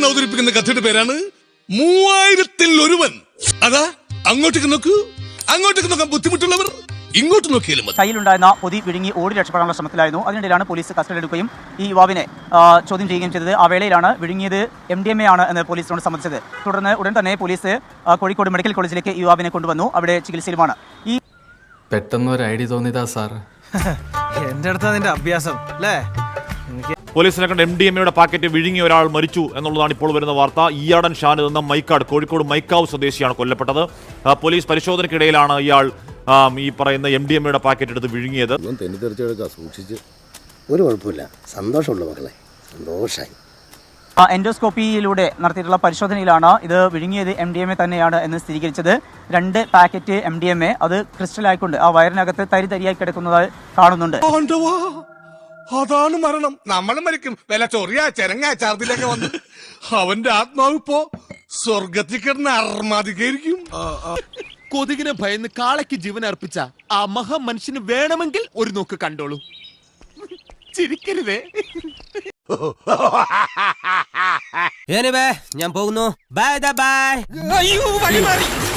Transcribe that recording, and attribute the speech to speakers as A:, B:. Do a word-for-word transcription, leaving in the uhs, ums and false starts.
A: ഇന്ന് അവതരിപ്പിക്കുന്ന കഥയുടെ പേരാണ് മൂവായിരത്തിൽ ഒരുവൻ. അതാ അങ്ങോട്ടേക്ക് നോക്കൂ, അങ്ങോട്ടേക്ക് നോക്കാൻ ബുദ്ധിമുട്ടുള്ളവർ ഇങ്ങോട്ട് നോക്കിയാലും മതി.
B: കയ്യിലുണ്ടായിരുന്ന പൊതി വിഴുങ്ങി ഓടി രക്ഷപ്പെടാനുള്ള ശ്രമത്തിലായിരുന്നു. അതിനിടയിലാണ് പോലീസ് കസ്റ്റഡിയിലെടുക്കുകയും ഈ യുവാവിനെ ചോദ്യം ചെയ്യുകയും ചെയ്തത്. ആ വേളയിലാണ് വിഴുങ്ങിയത് എം ഡി എം എ ആണ് എന്ന് പോലീസിനോട് സമ്മതിച്ചത്. തുടർന്ന് ഉടൻ തന്നെ പോലീസ് കോഴിക്കോട് മെഡിക്കൽ കോളേജിലേക്ക് ഈ യുവാവിനെ കൊണ്ടുവന്നു. അവിടെ ചികിത്സയിലുമാണ്. ഈ
C: പെട്ടെന്ന് ഒരു ഐഡിയ തോന്നിയതാ സാർ.
D: എന്റെ അടുത്ത് അതിന്റെ അഭ്യാസം അല്ലേ?
E: പോലീസിനെ കണ്ട് എം ഡി എം എയുടെ പാക്കറ്റ് വിഴുങ്ങി ഒരാൾ മരിച്ചു എന്നുള്ളതാണ് ഇപ്പോൾ വരുന്ന വാർത്ത. ഈയാടൻ ഷാനിദ് എന്ന മൈക്കാട് കോഴിക്കോട് മൈക്കാവ് സ്വദേശിയാണ് കൊല്ലപ്പെട്ടത്. പോലീസ് പരിശോധനയ്ക്കിടയിലാണ് ഇയാൾ ഈ പറയുന്ന എം ഡി എം എയുടെ പാക്കറ്റ് എടുത്ത് വിഴുങ്ങിയത്.
F: സൂക്ഷിച്ച് ഒരു കുഴപ്പമില്ല, സന്തോഷമുള്ള മക്കളെ, സന്തോഷമായി.
B: എൻഡോസ്കോപ്പിയിലൂടെ നടത്തിയിട്ടുള്ള പരിശോധനയിലാണ് ഇത് വിഴുങ്ങിയത് എം ഡി എം എ തന്നെയാണ് എന്ന് സ്ഥിരീകരിച്ചത്. രണ്ട് packet M D M A അത് ക്രിസ്റ്റൽ ആയിക്കൊണ്ട് ആ വയറിനകത്ത് തരി തരിയായി കിടക്കുന്നത് കാണുന്നുണ്ട്.
A: അതാണ് മരണം. നമ്മൾ മരിക്കും, വില ചൊറിയാ ചെരങ്ങ ചാർദിലൊക്കെ വന്ന് അവന്റെ ആത്മാവ് ഇപ്പോ സ്വർഗത്തിൽ കിടന്ന് അർമാദിക്കായിരിക്കും.
G: കൊതുകിനെ ഭയന്ന് കാളയ്ക്ക് ജീവൻ അർപ്പിച്ച ആ മഹാ മനുഷ്യന് വേണമെങ്കിൽ ഒരു നോക്ക് കണ്ടോളൂ. ചിരിക്കരുതേ.
D: ഞാൻ പോകുന്നു. Bye bye. അയ്യോ വഴി മാറി.